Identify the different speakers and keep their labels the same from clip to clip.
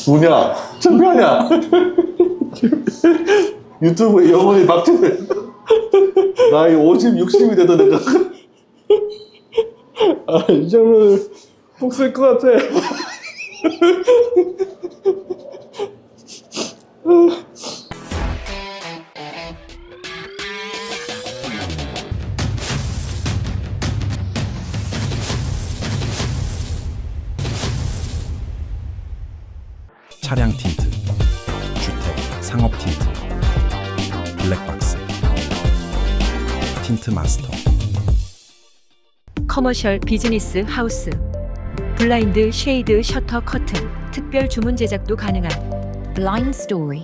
Speaker 1: 뭐냐? 창피하냐? 유튜브에 영원히 박제돼. 나이 50, 60이 돼도 내가.
Speaker 2: 이 정도는 꼭 쓸 것 같아.
Speaker 3: 차량 틴트, 주택, 상업 틴트, 블랙박스, 틴트 마스터.
Speaker 4: 커머셜 비즈니스 하우스, 블라인드, 쉐이드, 셔터, 커튼, 특별 주문 제작도 가능한
Speaker 5: Blind Story.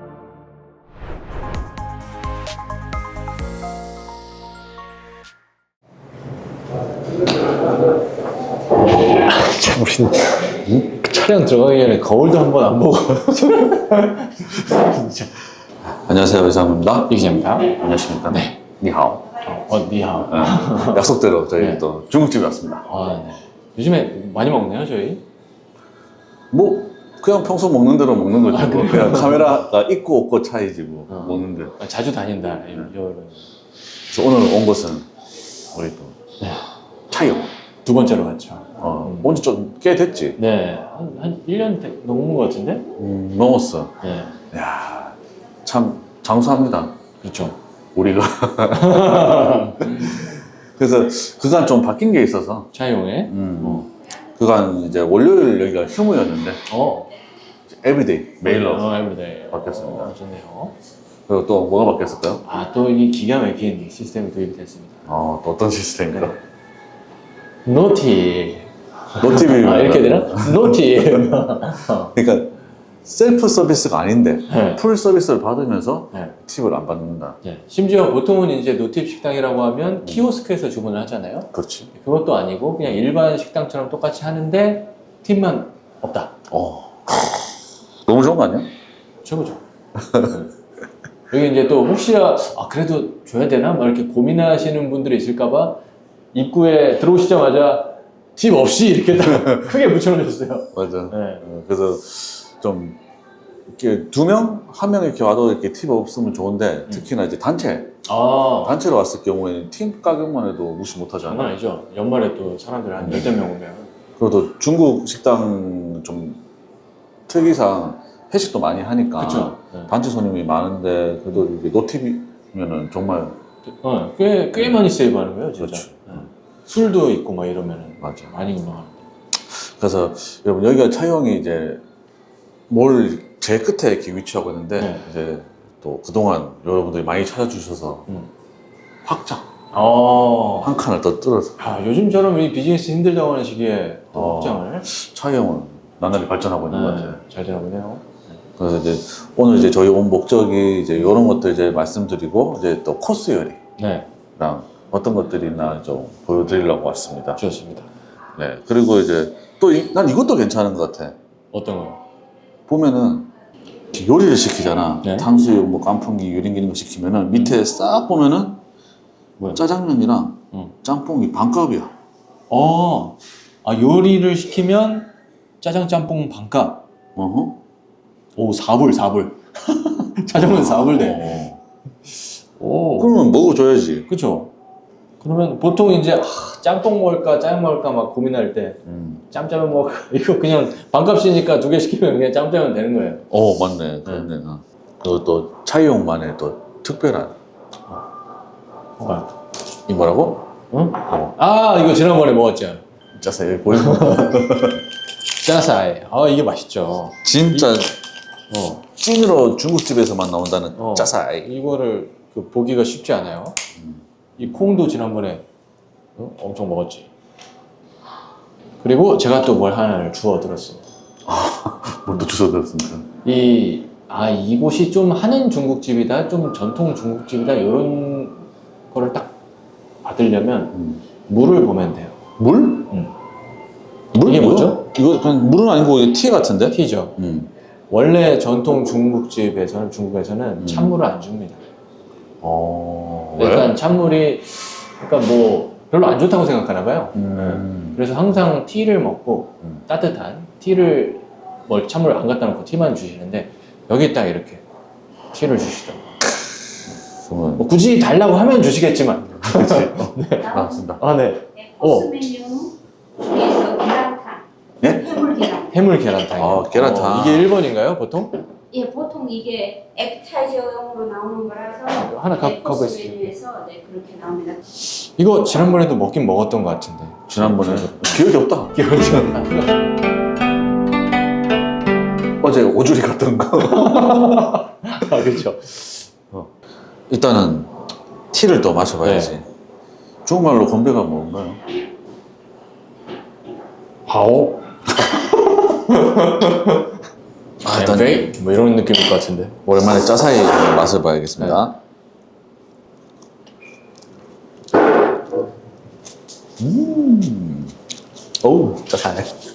Speaker 2: 참, 우리 차량 들어가기 전에 거울도 한 번 안 보고. 진짜.
Speaker 1: 안녕하세요, 외상입니다.
Speaker 2: 이 기자입니다.
Speaker 1: 안녕하십니까? 네. 니하오.
Speaker 2: 니하오.
Speaker 1: 약속대로 저희
Speaker 2: 네.
Speaker 1: 또 중국집에 왔습니다.
Speaker 2: 네. 요즘에 많이 먹네요, 저희.
Speaker 1: 뭐 그냥 평소 먹는 대로 먹는 거지.
Speaker 2: 아,
Speaker 1: 뭐.
Speaker 2: 그래요?
Speaker 1: 그냥 카메라가 있고 없고 차이지 뭐 먹는데.
Speaker 2: 자주 다닌다.
Speaker 1: 그래서 오늘 온 곳은 우리 또
Speaker 2: 네.
Speaker 1: 차이요.
Speaker 2: 두 번째로 갔죠.
Speaker 1: 온지 좀 꽤 됐지.
Speaker 2: 네. 한 1년 넘은 것 같은데?
Speaker 1: 넘었어.
Speaker 2: 네.
Speaker 1: 야, 참 장수합니다.
Speaker 2: 그렇죠.
Speaker 1: 우리가. 그래서 그간 좀 바뀐 게 있어서.
Speaker 2: 차용에.
Speaker 1: 그간 이제 월요일 여기가 휴무였는데 에브리데이 메일로
Speaker 2: 에브리데이.
Speaker 1: 바뀌었습니다.
Speaker 2: 좋네요.
Speaker 1: 그리고 또 뭐가 바뀌었을까요?
Speaker 2: 또 이 기가 막힌 시스템이 도입이 됐습니다.
Speaker 1: 또 어떤 시스템인가?
Speaker 2: 노티.
Speaker 1: 노티비
Speaker 2: 이렇게 되나? 노티.
Speaker 1: 그러니까 셀프 서비스가 아닌데
Speaker 2: 네.
Speaker 1: 풀 서비스를 받으면서
Speaker 2: 네.
Speaker 1: 팁을 안 받는다.
Speaker 2: 네. 심지어 보통은 이제 노팁 식당이라고 하면 키오스크에서 주문을 하잖아요.
Speaker 1: 그렇지.
Speaker 2: 그것도 아니고 그냥 일반 식당처럼 똑같이 하는데 팁만 없다.
Speaker 1: 너무 좋은 거 아니야?
Speaker 2: 최고죠. 여기 이제 또 혹시나 그래도 줘야 되나? 막 이렇게 고민하시는 분들이 있을까봐 입구에 들어오시자마자 팁 없이 이렇게 딱 크게 붙여놓으셨어요.
Speaker 1: 맞아.
Speaker 2: 네.
Speaker 1: 그래서 좀 이렇게 두 명, 한 명 이렇게 와도 이렇게 팁 없으면 좋은데 특히나 이제 단체로 왔을 경우에는 팁 가격만 해도 무시 못 하잖아.
Speaker 2: 장난 아니죠. 연말에 또 사람들 한 10명 오면.
Speaker 1: 그리고 또 중국 식당 좀 특이상 회식도 많이 하니까
Speaker 2: 그쵸. 네.
Speaker 1: 단체 손님이 많은데 그래도 이게 노팁이면은 정말
Speaker 2: 꽤 많이 세이브하는 거예요, 진짜.
Speaker 1: 그렇죠.
Speaker 2: 네. 술도 있고 막 이러면은
Speaker 1: 맞아.
Speaker 2: 많이 운영하는데.
Speaker 1: 그래서 여러분 여기가 차용이 이제 몰 제일 끝에 이렇게 위치하고 있는데
Speaker 2: 네.
Speaker 1: 이제 또 그동안 여러분들이 많이 찾아주셔서 확장 한 칸을 더 뚫어서
Speaker 2: 요즘처럼 이 비즈니스 힘들다고 하는 시기에 또 확장을
Speaker 1: 차용은 나날이 발전하고 있는 것 같아요.
Speaker 2: 잘 되나 보네요.
Speaker 1: 그래서 이제 오늘 이제 저희 온 목적이 이제 이런 것들 이제 말씀드리고 이제 또 코스 요리랑
Speaker 2: 네,
Speaker 1: 어떤 것들이 있나 좀 보여드리려고 왔습니다.
Speaker 2: 좋습니다.
Speaker 1: 네. 그리고 이제 또 난 이것도 괜찮은 것 같아.
Speaker 2: 어떤 거요?
Speaker 1: 보면은 요리를 시키잖아.
Speaker 2: 네.
Speaker 1: 탕수육, 뭐 깐풍기, 유린기 이런 거 시키면은 밑에 싹 보면은
Speaker 2: 뭐야?
Speaker 1: 짜장면이랑 짬뽕이 반값이야.
Speaker 2: 요리를 시키면 짜장 짬뽕 반값.
Speaker 1: 어허.
Speaker 2: 오, 4불. 짜장면 4불 돼. 오.
Speaker 1: 그러면 먹어줘야지.
Speaker 2: 그쵸. 그러면 보통 이제 짬뽕 먹을까 짜장 먹을까 막 고민할 때 짬짜면 먹을까 이거 그냥 반값이니까 두 개 시키면 그냥 짬짜면 되는 거예요.
Speaker 1: 맞네. 그렇네. 그리고 또 차이용만의 또 특별한 이 뭐라고?
Speaker 2: 응? 이거 지난번에 먹었죠.
Speaker 1: 짜서 여기 보이는
Speaker 2: 짜사이. 이게 맛있죠.
Speaker 1: 진짜 찐으로 중국집에서만 나온다는 짜사이.
Speaker 2: 이거를 보기가 쉽지 않아요. 이 콩도 지난번에 엄청 먹었지. 그리고 제가 또 뭘 하나를 주워 들었습니다.
Speaker 1: 뭘 또 주워 들었습니까?
Speaker 2: 이곳이 좀 하는 중국집이다, 좀 전통 중국집이다, 이런 거를 딱 받으려면 물을 보면 돼요.
Speaker 1: 물? 물?
Speaker 2: 이게 뭐죠?
Speaker 1: 이거 그냥 물은 아니고 이게 티 같은데?
Speaker 2: 티죠. 원래 전통 중국에서는 찬물을 안 줍니다.
Speaker 1: 왜?
Speaker 2: 찬물이 뭐 별로 안 좋다고 생각하나 봐요. 그래서 항상 티를 먹고 따뜻한 티를 뭐 찬물 안 갖다 놓고 티만 주시는데 여기 딱 이렇게 티를 주시더라고요.
Speaker 1: 그러면
Speaker 2: 뭐 굳이 달라고 하면 주시겠지만.
Speaker 1: 나왔습니다.
Speaker 2: 아, 네.
Speaker 6: 네, 코스 메뉴 중에서 계란탕,
Speaker 1: 예?
Speaker 6: 해물 계란.
Speaker 2: 해물 계란탕.
Speaker 1: 아, 계란탕.
Speaker 2: 이게 1번인가요, 보통?
Speaker 6: 예, 보통 이게 에피타이저용으로 나오는 거라서
Speaker 2: 하나
Speaker 6: 네, 코스
Speaker 2: 가보겠습니다.
Speaker 6: 메뉴에서 네, 그렇게 나옵니다.
Speaker 2: 이거 지난번에도 먹긴 먹었던 것 같은데.
Speaker 1: 지난번에 기억이 없다.
Speaker 2: 기억이 안 나.
Speaker 1: 어제 오주리 갔던 거.
Speaker 2: 아, 그렇죠.
Speaker 1: 일단은 티를 또 마셔봐야지. 중국말로 건배가 뭔가요?
Speaker 2: 바오?
Speaker 1: 아, 일단
Speaker 2: 엠페이? 뭐 이런 느낌일 것 같은데.
Speaker 1: 오랜만에 짜사이 맛을 봐야겠습니다. 어우, 짜사이.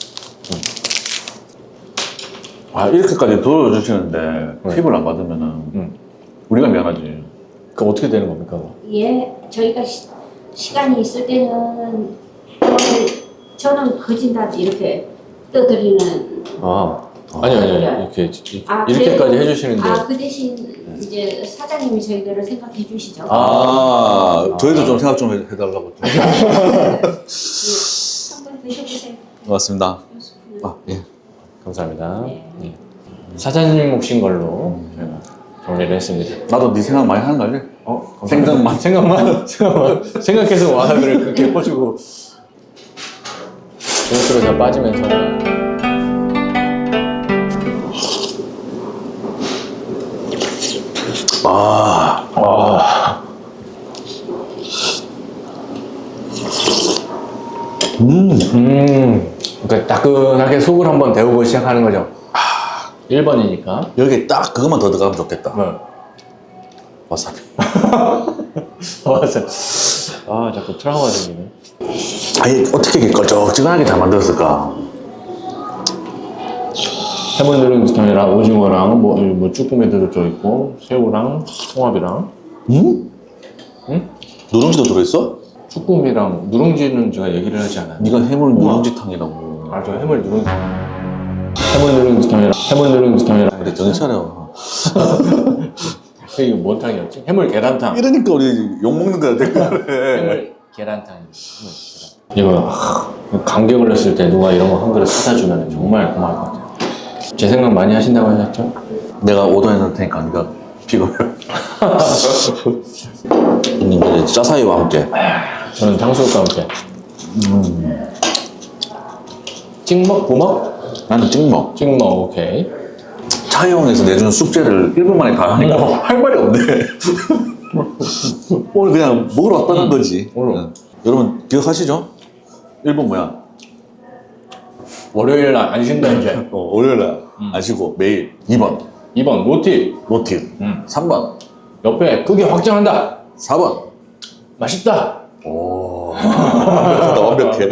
Speaker 1: 아, 이렇게까지 도와주시는데 팁을 안 받으면은 우리가 미안하지.
Speaker 2: 그 어떻게 되는 겁니까? 그거?
Speaker 6: 예, 저희가 시간이 있을 때는 저는 거진다 이렇게 떠드리는.
Speaker 2: 아니요. 이렇게 이렇게까지 해주시는데.
Speaker 6: 그 대신 이제 사장님이 저희들을 생각해 주시죠.
Speaker 1: 저희도 좀 생각 좀 해달라고.
Speaker 6: 예, 한번 드셔보세요.
Speaker 1: 고맙습니다.
Speaker 6: 한 스푼을.
Speaker 1: 아, 예.
Speaker 2: 감사합니다.
Speaker 6: 네.
Speaker 2: 네. 사장님 몫인 걸로 제가 정리를 했습니다.
Speaker 1: 나도 네 생각 많이 하는 거 알지? 생각만.
Speaker 2: 생각해서 와사비를 그렇게 퍼주고 조스로 다 빠지면서. 그러니까 따끈하게 속을 한번 데우고 시작하는 거죠. 1번이니까.
Speaker 1: 여기 딱 그것만 더 들어가면 좋겠다. 와사비.
Speaker 2: 맞아. 자꾸 트라우마 생기네.
Speaker 1: 아니, 어떻게 이렇게 걸쭉지근하게 잘 만들었을까?
Speaker 2: 해물 누룽지탕이랑 오징어랑 뭐 쭈꾸미도 들어있고 새우랑 홍합이랑
Speaker 1: 누룽지도 들어있어?
Speaker 2: 쭈꾸미랑 누룽지는 제가 얘기를 하지 않아요.
Speaker 1: 네가 해물 누룽지탕이라고.
Speaker 2: 저 해물 누룽지탕이랑
Speaker 1: 그래, 정신 차려.
Speaker 2: 이게 뭔 탕이었지? 해물 계란탕.
Speaker 1: 이러니까 우리 욕먹는 거야, 댓글에.
Speaker 2: 해물 계란탕. 이거 감기 걸렸을 때 누가 이런 거 한 그릇 사다 주면 정말 고마울 것 같아요. 제 생각 많이 하신다고 하셨죠?
Speaker 1: 내가 오더해놓을 테니까 네가 픽업해. 이제 짜사이와 함께.
Speaker 2: 저는 탕수육과 함께. 찍먹? 부먹?
Speaker 1: 나는 찍먹.
Speaker 2: 찍먹, 오케이.
Speaker 1: 차이용에서 내주는 숙제를 1분 만에 다 하니까 할 말이 없네. 오늘 그냥 먹으러 왔다는 거지.
Speaker 2: 오늘.
Speaker 1: 여러분 기억하시죠? 1번 뭐야?
Speaker 2: 월요일 날 안 쉰다 이제.
Speaker 1: 월요일날 안 쉬고 매일. 2번
Speaker 2: 2번 노티.
Speaker 1: 노팁. 3번
Speaker 2: 옆에 크게 확장한다.
Speaker 1: 4번
Speaker 2: 맛있다.
Speaker 1: 오 완벽하다. 완벽해.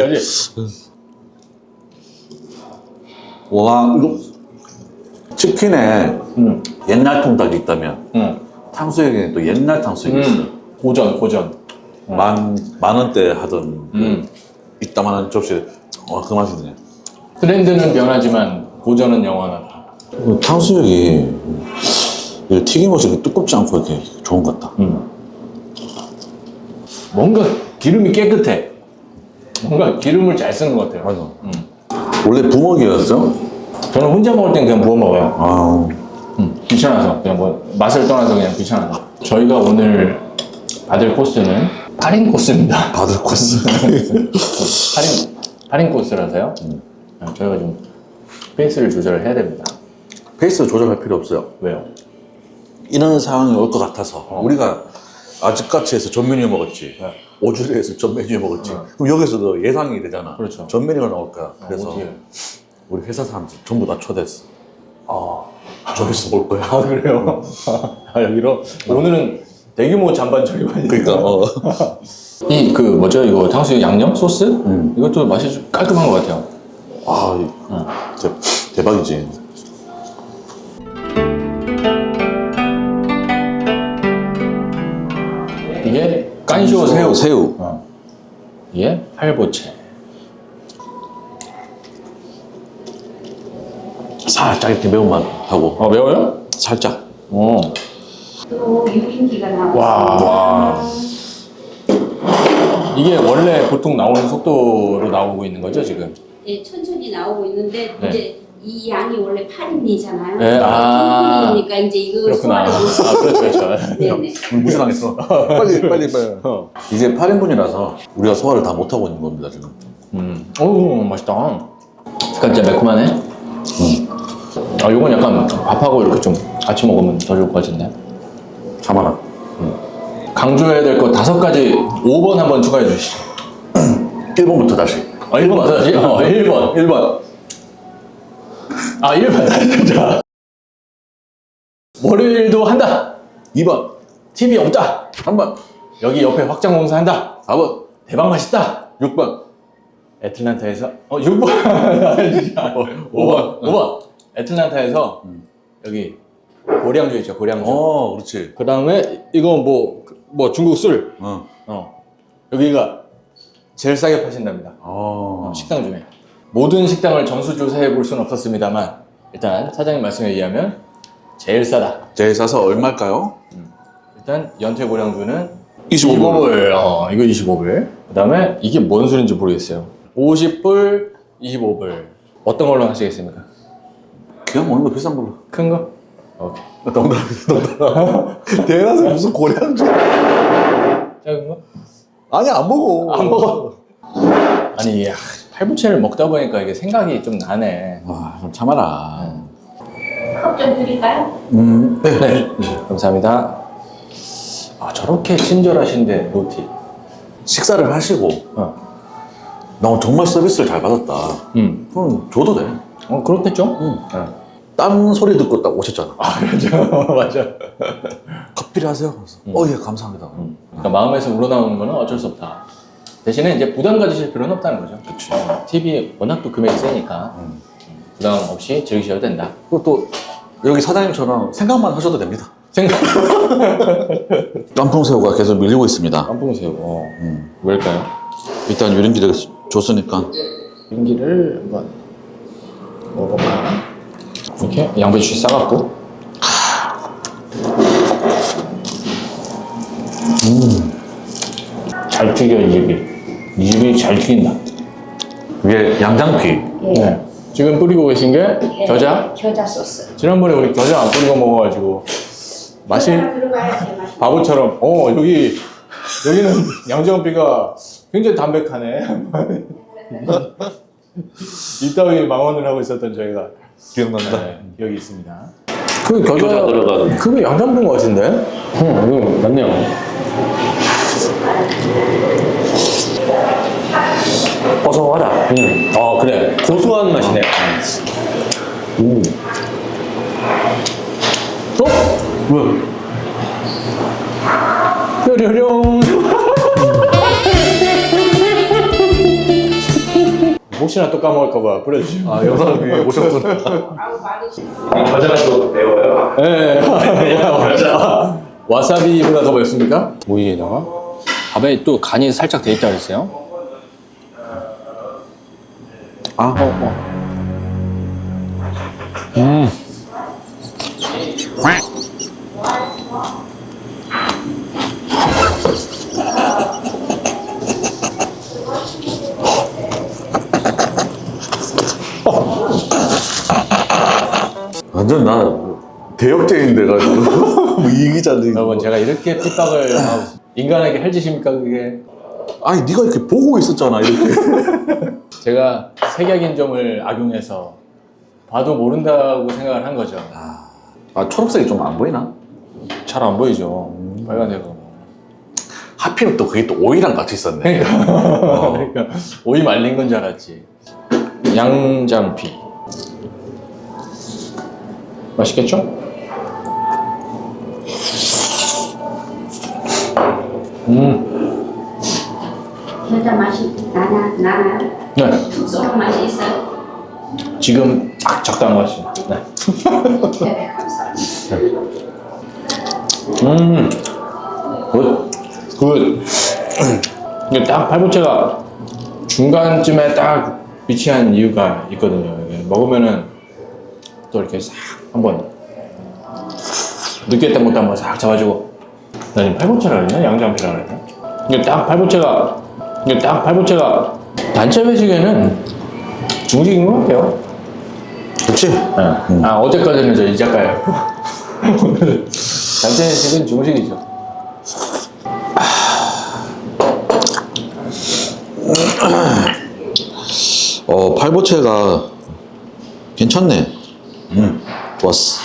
Speaker 1: 와 이거 치킨에 옛날 통닭이 있다면 탕수육에는 또 옛날 탕수육이 있어.
Speaker 2: 고전.
Speaker 1: 만 원대 하던 그 이따만한 접시에 그 맛이네.
Speaker 2: 트렌드는 변하지만 고전은 영원하다.
Speaker 1: 탕수육이 튀김옷이 두껍지 않고 이렇게 좋은 것 같다.
Speaker 2: 뭔가 기름이 깨끗해. 뭔가 기름을 잘 쓰는 것 같아요.
Speaker 1: 맞아. 원래 부먹이었어?
Speaker 2: 저는 혼자 먹을 땐 그냥 부어 먹어요.
Speaker 1: 아,
Speaker 2: 귀찮아서 그냥 뭐 맛을 떠나서 그냥 귀찮아서. 저희가 오늘 받을 코스는 8인 코스입니다.
Speaker 1: 받을 코스.
Speaker 2: 8인 코스라서요. 저희가 좀 페이스를 조절을 해야 됩니다.
Speaker 1: 페이스 조절할 필요 없어요.
Speaker 2: 왜요?
Speaker 1: 이런 상황이 올 것 같아서 우리가 아직까지 해서 전 메뉴 먹었지. 오주리에서 전 메뉴 먹었지. 그럼 여기서도 예상이 되잖아.
Speaker 2: 그렇죠.
Speaker 1: 전 메뉴가 나올 거야. 그래서
Speaker 2: 어떻게?
Speaker 1: 우리 회사 사람들 전부 다 초대했어. 저기서 올 거야.
Speaker 2: 그래요? 여기로? 오늘은 대규모 잔반 처리반이.
Speaker 1: 그러니까
Speaker 2: 이 그 뭐죠? 이거 탕수육 양념 소스? 이것도 맛이 좀 깔끔한 것 같아요.
Speaker 1: 진짜 대박이지.
Speaker 2: 이게 깐쇼 새우.
Speaker 1: 새우.
Speaker 2: 이게 팔보채.
Speaker 1: 살짝 이렇게 매운맛 하고.
Speaker 2: 매워요?
Speaker 1: 살짝.
Speaker 2: 어.
Speaker 6: 또 유린기가 나오고.
Speaker 2: 와. 이게 원래 보통 나오는 속도로 나오고 있는 거죠, 지금?
Speaker 6: 예, 천천히 나오고 있는데
Speaker 2: 네.
Speaker 6: 이제 이 양이 원래 8인이잖아요.
Speaker 2: 네, 아.
Speaker 6: 2인이니까 이제 이거
Speaker 2: 그렇구나.
Speaker 6: 소화를
Speaker 2: 그렇죠, 그렇죠.
Speaker 6: 네네.
Speaker 1: 무시당했어. 빨리. 이제 8인분이라서 우리가 소화를 다 못하고 있는 겁니다, 지금.
Speaker 2: 어우, 맛있다. 약간 진짜 매콤하네. 아, 요건 약간 밥하고 이렇게 좀 같이 먹으면 더 좋을 것 같은데.
Speaker 1: 참아라.
Speaker 2: 강조해야 될 거 5가지 5번 한번 추가해 주시죠.
Speaker 1: 1번부터 다시.
Speaker 2: 1번 맞아야지? 1번. 아, 1번. 자. 월요일도 한다.
Speaker 1: 2번.
Speaker 2: TV 없다.
Speaker 1: 3번.
Speaker 2: 여기 옆에 확장 공사 한다.
Speaker 1: 4번.
Speaker 2: 대박 맛있다.
Speaker 1: 6번.
Speaker 2: 애틀란타에서 6번. 5번. 애틀란타에서 여기 고량주 있죠, 고량주.
Speaker 1: 그렇지.
Speaker 2: 그 다음에 이거 뭐 중국 술. 여기가 제일 싸게 파신답니다. 식당 중에. 모든 식당을 전수조사해 볼 수는 없었습니다만 일단 사장님 말씀에 의하면 제일 싸다.
Speaker 1: 제일 싸서 얼마일까요?
Speaker 2: 일단 연태 고량주는
Speaker 1: 25불.
Speaker 2: 이거 25불. 그 다음에 이게 뭔 술인지 모르겠어요. 50불, 25불. 어떤 걸로 하시겠습니까?
Speaker 1: 그냥 먹는 거 비싼 걸로.
Speaker 2: 큰 거? 오케이.
Speaker 1: 농담. 대낮에 무슨 고량주.
Speaker 2: 작은 거?
Speaker 1: 아니, 안 먹어.
Speaker 2: 안 먹어. 아니, 팔부채를 먹다 보니까 이게 생각이 좀 나네.
Speaker 1: 좀 참아라.
Speaker 6: 컵 좀 드릴까요?
Speaker 2: 네. 감사합니다. 아, 저렇게 친절하신데, 로티.
Speaker 1: 식사를 하시고, 나 정말 서비스를 잘 받았다. 그럼 줘도 돼.
Speaker 2: 그렇겠죠?
Speaker 1: 딴 소리 듣고 딱 오셨잖아.
Speaker 2: 그렇죠. 맞아.
Speaker 1: 커피를 하세요? 예, 감사합니다.
Speaker 2: 그러니까 마음에서 우러나오는 거는 어쩔 수 없다. 대신에 이제 부담 가지실 필요는 없다는 거죠.
Speaker 1: 그치.
Speaker 2: TV 워낙 또 금액이 세니까 부담 없이 즐기셔도 된다.
Speaker 1: 그리고 또, 여기 사장님처럼 생각만 하셔도 됩니다. 깐풍새우가 계속 밀리고 있습니다.
Speaker 2: 깐풍새우. 왜일까요?
Speaker 1: 일단 유린기를 줬으니까.
Speaker 2: 윤기를 한번 먹어봐. 이렇게 양배추 싸갖고. 잘 튀겨, 이 집이. 이 집이 잘 튀긴다.
Speaker 1: 위에 양장피.
Speaker 2: 네. 지금 뿌리고 계신 게 겨자?
Speaker 6: 겨자 소스.
Speaker 2: 지난번에 우리 겨자 안 뿌리고 먹어가지고 맛이
Speaker 6: 들어가야지 맛이.
Speaker 2: 바보처럼 여기는 양정비가 굉장히 담백하네. 이따위 망언을 하고 있었던 저희가
Speaker 1: 기억난다.
Speaker 2: 기억이 있습니다. 그 겨자
Speaker 1: 들어간.
Speaker 2: 그게 양장비인 것 같은데? 이거 맞네요. 고소하다. 그래. 고소한 맛이네. 왜? 뾰로롱. 혹시나 또 까먹을까봐 뿌려주시고.
Speaker 1: 영상에 오셨구나.
Speaker 6: 아우 말이
Speaker 2: 겨자가 또 매워요. 네. 와사비보다 더 맵습니까? 오이에다가 밥에 또 간이 살짝 돼 있다 그랬어요.
Speaker 1: 완전 나 대역죄인 돼가지고 뭐 이기자들.
Speaker 2: 여러분 제가 이렇게 핍박을 하고 인간에게 할 짓입니까 그게?
Speaker 1: 아니 네가 이렇게 보고 있었잖아 이렇게.
Speaker 2: 제가 색약인점을 악용해서 봐도 모른다고 생각을 한 거죠.
Speaker 1: 초록색이 좀 안 보이나?
Speaker 2: 잘 안 보이죠. 빨간색으로.
Speaker 1: 하필 또 그게 또 오이랑 같이 있었네.
Speaker 2: 그러니까 오이 말린 건 줄 알았지. 양장피. 맛있겠죠?
Speaker 6: 겨자 맛이 나나요?
Speaker 2: 네.
Speaker 6: 툭 쏘는 맛이 있어요.
Speaker 2: 지금 딱 적당한 것 같습니다. 네.
Speaker 6: 네, 감사합니다.
Speaker 2: 굿. 이게 딱 팔보채가 중간쯤에 딱 위치한 이유가 있거든요. 이게 먹으면은 또 이렇게 싹 한번 느끼했던 것도 한번 싹 잡아주고. 나 지금 팔보채라 그랬나? 양장피라 그랬나? 이게 딱 팔보채가 단체 회식에는 중식인 것 같아요.
Speaker 1: 그치?
Speaker 2: 네. 아, 어제까지는 저 이자카야. 오늘 단체 회식은 중식이죠.
Speaker 1: 팔보채가 괜찮네. 좋았어.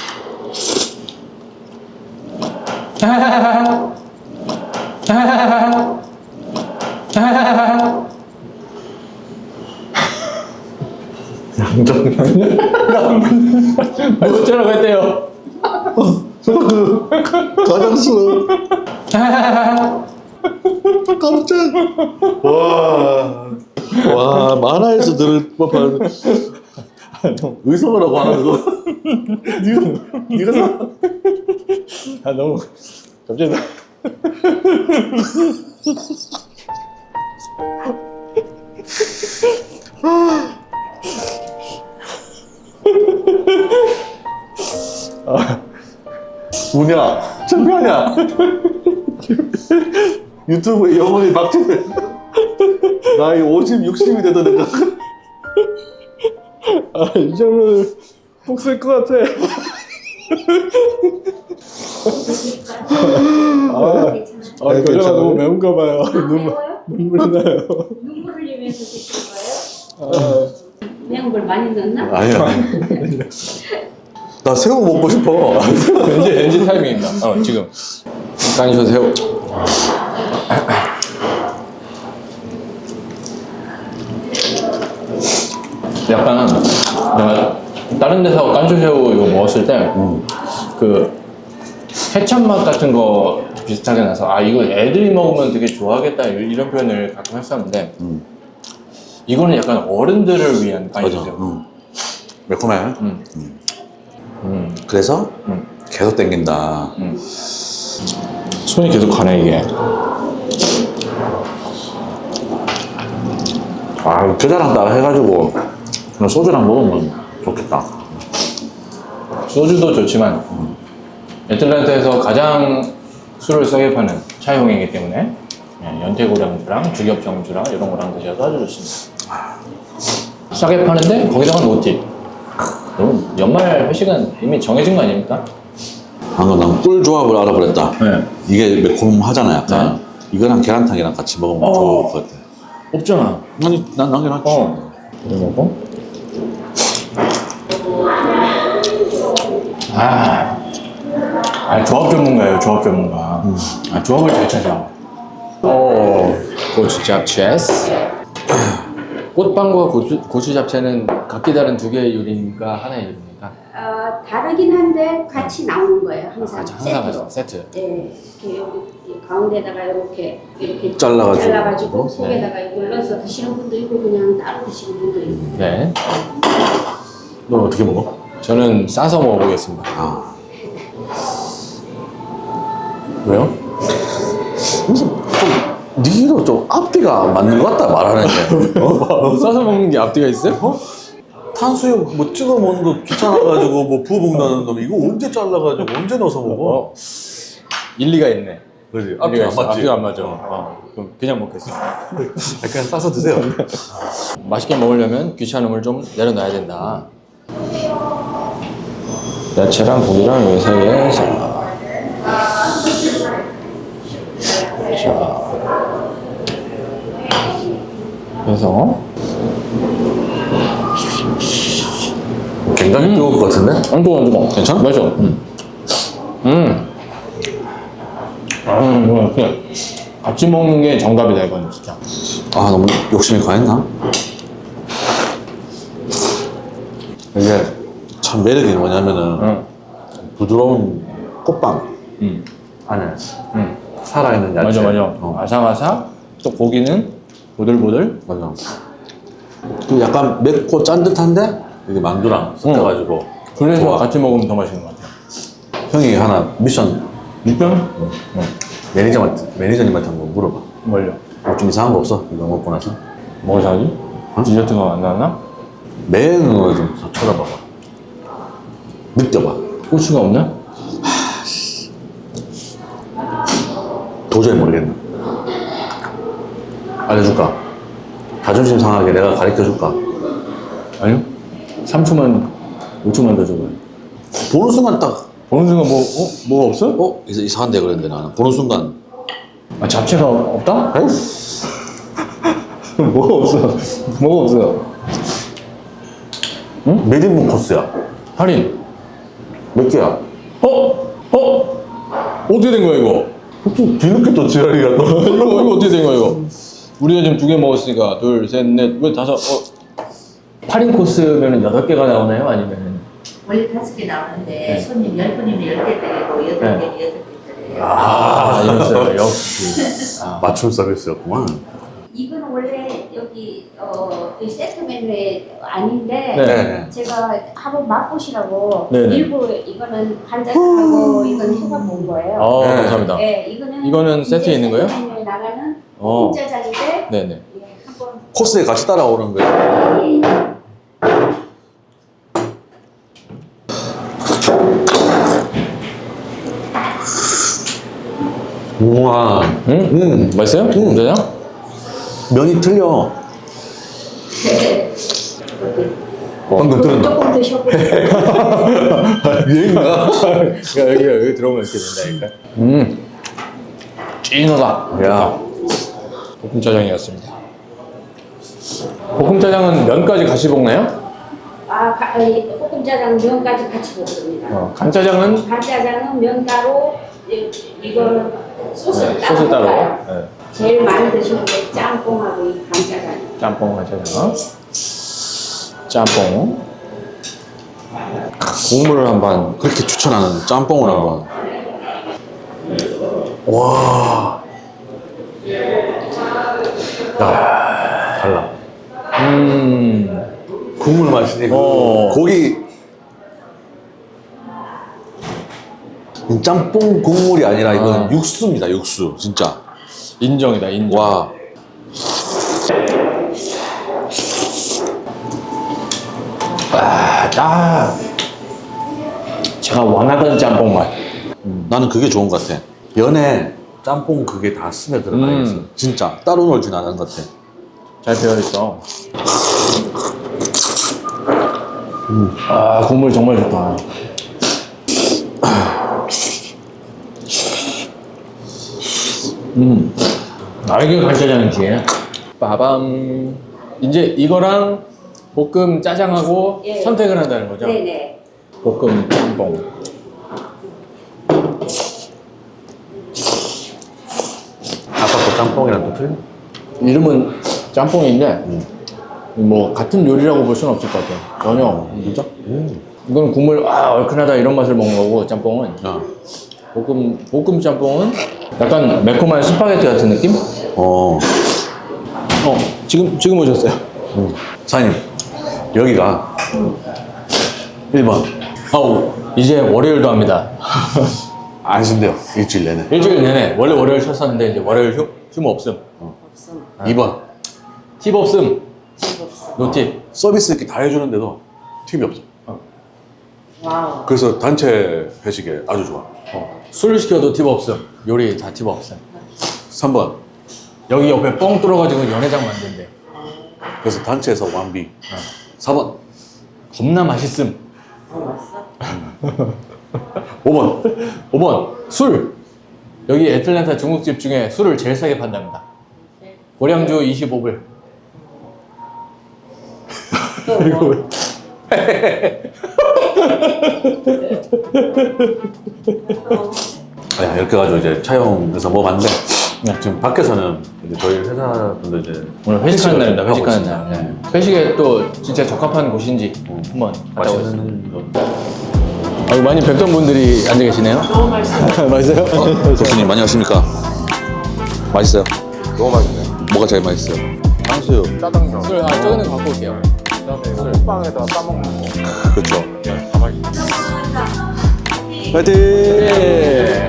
Speaker 2: 팔보채라고 했대요.
Speaker 1: 가장스러워. 깜짝. 와, 만화에서 들을 법한 의성어라고 하는 거. 네가
Speaker 2: 아, 너무 갑자기
Speaker 1: 뭐냐? 창피하냐? 유튜브에 영혼이 막히네. 나이 50, 60이 되던 애가.
Speaker 2: 아, 이 정도는 복쓸 것 같아.
Speaker 6: 괜찮아요.
Speaker 2: 겨자가 너무 매운가 봐요.
Speaker 6: 매워요?
Speaker 2: 눈물 나요.
Speaker 6: 눈물 흘리면서 드신 거예요? 매운 걸 많이 넣었나?
Speaker 1: 아니야. 나 새우 먹고 싶어.
Speaker 2: NG 타이밍입니다. 지금. 깐쇼 새우. 약간 내가 다른 데서 깐쇼 새우 이거 먹었을 때 그 케첩 맛 같은 거 비슷하게 나서 아 이거 애들이 먹으면 되게 좋아하겠다 이런 표현을 가끔 했었는데 이거는 약간 어른들을 위한 깐쇼 새우.
Speaker 1: 매콤해. 그래서 계속 땡긴다.
Speaker 2: 손이 계속 가네 이게.
Speaker 1: 아, 겨자랑 따라 해가지고 그냥 소주랑 먹으면 좋겠다.
Speaker 2: 소주도 좋지만 애틀랜타에서 가장 술을 싸게 파는 차용이기 때문에 연태고량주랑 주겹정주랑 이런 거랑 드셔도 아주 좋습니다. 싸게 파는데 거기다가 노팁. 여러분 연말 회식은 이미 정해진 거 아닙니까?
Speaker 1: 방금 난 꿀 조합을 알아버렸다.
Speaker 2: 네.
Speaker 1: 이게 매콤하잖아 약간. 이거랑 계란탕이랑 같이 먹으면 좋을 것 같아.
Speaker 2: 없잖아.
Speaker 1: 아니 난 남겨놨지.
Speaker 2: 이거 먹고. 조합 전문가예요, 조합 전문가. 조합을 잘 찾아. 고추 잡채스. 꽃빵과 고추 잡채는 각기 다른 두 개의 요리입니까? 하나의 요리입니까?
Speaker 6: 다르긴 한데 같이 나오는 거예요. 항상 세트로.
Speaker 2: 세트.
Speaker 6: 네, 이렇게 여기 가운데다가 이렇게
Speaker 1: 잘라가지고.
Speaker 6: 속에다가 이걸 넣어서 드시는 분도 있고 그냥 따로 드시는 분도 있고.
Speaker 2: 네.
Speaker 1: 넌 어떻게 먹어?
Speaker 2: 저는 싸서 먹어보겠습니다. 왜요?
Speaker 1: 니도 좀 앞뒤가 맞는 것 같다 말하는 게.
Speaker 2: 싸서 먹는 게 앞뒤가 있어요?
Speaker 1: 탄수육 뭐 찍어 먹는 거 귀찮아가지고 뭐 부어 먹는다는 놈 이거 언제 잘라가지고 언제 넣어서 먹어?
Speaker 2: 일리가 있네.
Speaker 1: 그지?
Speaker 2: 앞뒤가
Speaker 1: 앞뒤가 안 맞지?
Speaker 2: 앞뒤가 안 맞아. 그럼 그냥 먹겠어.
Speaker 1: 그냥 싸서 드세요.
Speaker 2: 맛있게 먹으려면 귀찮음을 좀 내려놔야 된다. 야채랑 고기랑 요 사이에 자. 그래서
Speaker 1: 굉장히 뜨거울 것 같은데?
Speaker 2: 안 뜨거워, 안 뜨거워.
Speaker 1: 괜찮아?
Speaker 2: 맛있어. 그냥 같이 먹는 게 정답이다 이건 진짜.
Speaker 1: 아 너무 욕심이 과했나? 이게 참 매력이 뭐냐면은 부드러운 꽃빵 안에 살아있는 야채.
Speaker 2: 맞아. 아삭아삭. 또 고기는 보들보들.
Speaker 1: 맞아. 그 약간 맵고 짠듯한데 이게 만두랑 섞여가지고
Speaker 2: 그래서
Speaker 1: 좋아.
Speaker 2: 같이 먹으면 더 맛있는 것 같아요.
Speaker 1: 형이 하나 미션 매니저님한테 한번 물어봐.
Speaker 2: 뭘요?
Speaker 1: 뭐 좀 이상한 거 없어? 이거 먹고 나서
Speaker 2: 뭐 사지? 디저트가 안 나왔나?
Speaker 1: 매너를 좀 쳐다봐봐. 느껴봐.
Speaker 2: 고추가 없나?
Speaker 1: 도저히 모르겠네. 알려줄까? 자존심 상하게 내가 가르쳐줄까?
Speaker 2: 아니요. 3초만, 5초만 더 줘봐요.
Speaker 1: 보는 순간 딱,
Speaker 2: 보는 순간 뭐가 없어?
Speaker 1: 이상한데 그랬는데 나는. 보는 순간.
Speaker 2: 아, 잡채가 없다? 뭐가 없어? 뭐가 없어?
Speaker 1: 몇 인분 코스야?
Speaker 2: 할인.
Speaker 1: 몇 개야?
Speaker 2: 어떻게 된 거야, 이거?
Speaker 1: 뒤늦게 또 지랄이가 또.
Speaker 2: 이거 어떻게 된 거야, 이거? 우리가 지금 2개 먹었으니까, 둘, 셋, 넷, 왜 5, 8인 코스면 8개가 나오나요? 아니면?
Speaker 6: 원래 5개 나오는데
Speaker 2: 네.
Speaker 6: 손님 10분이면 10개 드리고 8개면 8개 드려요.
Speaker 2: 아, 이랬어요. 역시.
Speaker 1: 맞춤 서비스였구만.
Speaker 6: 이건 원래 여기 이 세트 메뉴에 아닌데
Speaker 2: 네.
Speaker 6: 제가 한번 맛보시라고
Speaker 2: 네네.
Speaker 6: 일부 이거는 간장하고 이건 해가 본 거예요.
Speaker 2: 아,
Speaker 1: 네.
Speaker 2: 감사합니다.
Speaker 6: 네,
Speaker 2: 이거는 세트에 있는 거예요?
Speaker 6: 세트 메뉴에 나가는
Speaker 2: 어.
Speaker 6: 짜장인데
Speaker 2: 네네.
Speaker 6: 예, 한번
Speaker 1: 코스에 같이 따라오는 거야. 우와.
Speaker 2: 맛있어요? 짜장?
Speaker 1: 면이 틀려. 방금 들었나?
Speaker 6: 조금 드셔보세요.
Speaker 1: 얘인가?
Speaker 2: 여기 들어오면 이렇게 된다니까. 찐하다.
Speaker 1: 야.
Speaker 2: 볶음짜장이었습니다. 볶음짜장은 면까지 같이 볶나요?
Speaker 6: 이 볶음짜장 면까지 같이 먹습니다.
Speaker 2: 간짜장은
Speaker 6: 간짜장은 면 따로, 이거는 소스 따로.
Speaker 2: 소스 따로.
Speaker 6: 볶아요.
Speaker 2: 네.
Speaker 6: 제일 많이 드시는 게 짬뽕하고 이 간짜장.
Speaker 2: 짬뽕 간짜장. 짬뽕. 국물을 한번.
Speaker 1: 그렇게 추천하는 짬뽕을 한번. 와. 야, 달라. 국물 맛이네. 고기. 짬뽕 국물이 아니라 이건 육수입니다, 육수. 진짜.
Speaker 2: 인정이다, 인정.
Speaker 1: 와.
Speaker 2: 딱 제가 원하던 짬뽕 맛.
Speaker 1: 나는 그게 좋은 것 같아. 면에 짬뽕 그게 다 스며 들어가 있어. 진짜. 따로 놀진 않은 것 같아.
Speaker 2: 잘 배어있어. 아, 국물 정말 좋다. 이게 간짜장이지. 빠밤. 이제 이거랑 볶음 짜장하고
Speaker 6: 예.
Speaker 2: 선택을 한다는 거죠?
Speaker 6: 네네.
Speaker 2: 볶음 짬뽕.
Speaker 1: 아까 그 짬뽕이랑 또 틀려?
Speaker 2: 이름은 짬뽕인데 뭐 같은 요리라고 볼 수는 없을 것 같아요. 전혀. 진짜? 이건 국물 얼큰하다 이런 맛을 먹는 거고 짬뽕은 볶음 짬뽕은 약간 매콤한 스파게티 같은 느낌? 지금 오셨어요.
Speaker 1: 사장님, 여기가 1번.
Speaker 2: 아우 이제 월요일도 합니다.
Speaker 1: 안 쉰대요, 일주일 내내.
Speaker 2: 일주일 내내 원래 월요일 쉬었었는데 이제 월요일 휴무 없음.
Speaker 1: 2번.
Speaker 2: 팁 없음. 노팁.
Speaker 1: 서비스 이렇게 다 해주는데도 팁이 없어.
Speaker 6: 와우.
Speaker 1: 그래서 단체 회식에 아주 좋아.
Speaker 2: 술 시켜도 팁 없음. 요리 다 팁 없음.
Speaker 1: 3번.
Speaker 2: 여기 옆에 뻥 뚫어가지고 연회장 만든대.
Speaker 1: 그래서 단체에서 완비. 4번.
Speaker 2: 겁나 맛있음.
Speaker 6: 맛있어?
Speaker 1: 5번.
Speaker 2: 술. 여기 애틀랜타 중국집 중에 술을 제일 싸게 판답니다. 고량주 25불.
Speaker 6: 또 뭐?
Speaker 1: 이렇게 해가지고 이제 차용해서 먹어봤는데 지금 밖에서는 이제 저희 회사 분들 이제
Speaker 2: 오늘 회식하는 날입니다.
Speaker 1: 하고
Speaker 2: 회식하는
Speaker 1: 있습니다.
Speaker 2: 날. 네. 회식에 또 진짜 적합한 곳인지 한번 갔다 오겠습니다.
Speaker 1: 맛있는 거.
Speaker 2: 많이 뵙던 분들이 앉아 계시네요.
Speaker 6: 너무 맛있어.
Speaker 2: 맛있어요?
Speaker 1: 교수님 안녕하십니까? 맛있어요? 너무 맛있네요. 뭐가 제일 맛있어요? 탕수육.
Speaker 7: 짜장면.
Speaker 2: 술, 저기는 갖고 올게요.
Speaker 7: 그다음에 술빵에다가 싸먹는 거.
Speaker 1: 그렇죠.
Speaker 7: 가만히.
Speaker 1: 파이팅!
Speaker 2: 예.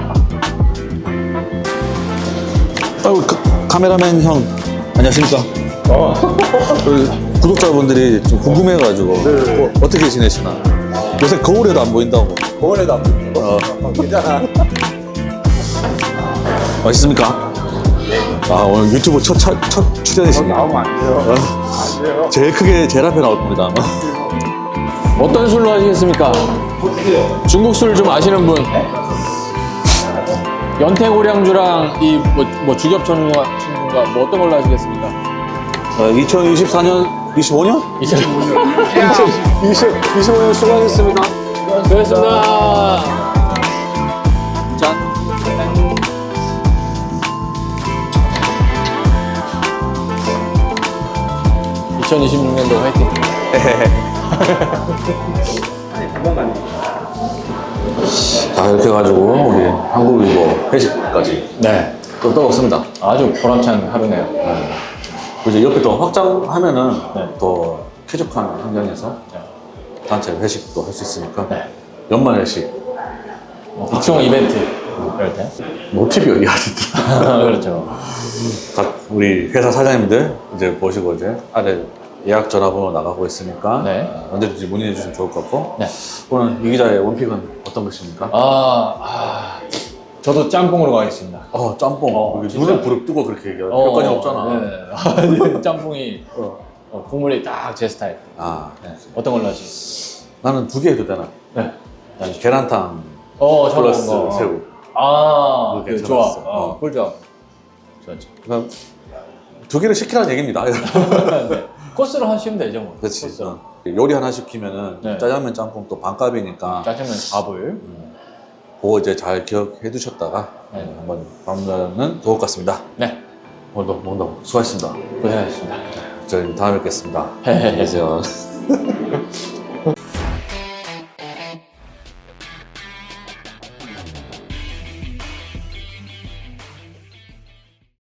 Speaker 1: 아이고, 카메라맨 형 안녕하십니까? 우리 구독자분들이 좀 궁금해가지고 어떻게 지내시나? 요새 거울에도 안 보인다고.
Speaker 7: 거울에도 안 보이고. 괜찮아.
Speaker 1: 맛있습니까? 아, 오늘 유튜브 첫 출연이십니다.
Speaker 7: 나오면 안 돼요. 안 돼요.
Speaker 1: 제일 크게 제일 앞에 나올 겁니다.
Speaker 2: 어떤 술로 하시겠습니까? 중국 술 좀 아시는 분? 연태고량주랑 이 뭐 주겹천인가 뭐 어떤 걸로 하시겠습니까?
Speaker 1: 2024년, 25년?
Speaker 7: 25년 수고하셨습니다.
Speaker 2: 수고하셨습니다.
Speaker 1: 짠.
Speaker 2: 2026년도 화이팅.
Speaker 1: 자, 이렇게 해가지고 우리 한국이고 회식까지
Speaker 2: 네.
Speaker 1: 또 떠먹습니다.
Speaker 2: 아주 보람찬 하루네요.
Speaker 1: 이제 옆에 또 확장하면은
Speaker 2: 네.
Speaker 1: 더 쾌적한 환경에서 단체 회식도 할 수 있으니까
Speaker 2: 네.
Speaker 1: 연말 회식
Speaker 2: 각종 이벤트 이럴 때.
Speaker 1: 노티비 어디 하시더라.
Speaker 2: 그렇죠.
Speaker 1: 각 우리 회사 사장님들 이제 보시고 이제 아래 예약 전화번호 나가고 있으니까
Speaker 2: 네.
Speaker 1: 언제든지 문의해 주시면 좋을 것 같고
Speaker 2: 네.
Speaker 1: 오늘 이 기자의 원픽은 어떤 것입니까?
Speaker 2: 저도 짬뽕으로 가겠습니다.
Speaker 1: 짬뽕. 여기
Speaker 2: 진짜?
Speaker 1: 눈을 부릅뜨고 그렇게 얘기할 필요까지 없잖아.
Speaker 2: 네. 짬뽕이 국물이 딱 제 스타일.
Speaker 1: 아,
Speaker 2: 네. 어떤 걸로 하시죠?
Speaker 1: 나는 두 개 해도 되나?
Speaker 2: 네.
Speaker 1: 계란탕
Speaker 2: 플러스
Speaker 1: 플러스 새우.
Speaker 2: 그
Speaker 1: 그렇게
Speaker 2: 좋아.
Speaker 1: 해놨어.
Speaker 2: 꿀 좋아. 좋았죠.
Speaker 1: 그럼 두 개를 시키라는 얘기입니다.
Speaker 2: 네. 코스로 하시면 되죠, 뭐.
Speaker 1: 그렇지.
Speaker 2: 코스로.
Speaker 1: 요리 하나 시키면은
Speaker 2: 네.
Speaker 1: 짜장면 짬뽕 또 반값이니까
Speaker 2: 짜장면 4불.
Speaker 1: 그거 이제 잘 기억해 두셨다가
Speaker 2: 네.
Speaker 1: 한번 방문하면 좋을 것 같습니다.
Speaker 2: 네.
Speaker 1: 오늘도 수고하셨습니다.
Speaker 2: 고생하셨습니다.
Speaker 1: 저희 다음에 뵙겠습니다.
Speaker 2: 헤헤헤.
Speaker 1: 안녕히 계세요.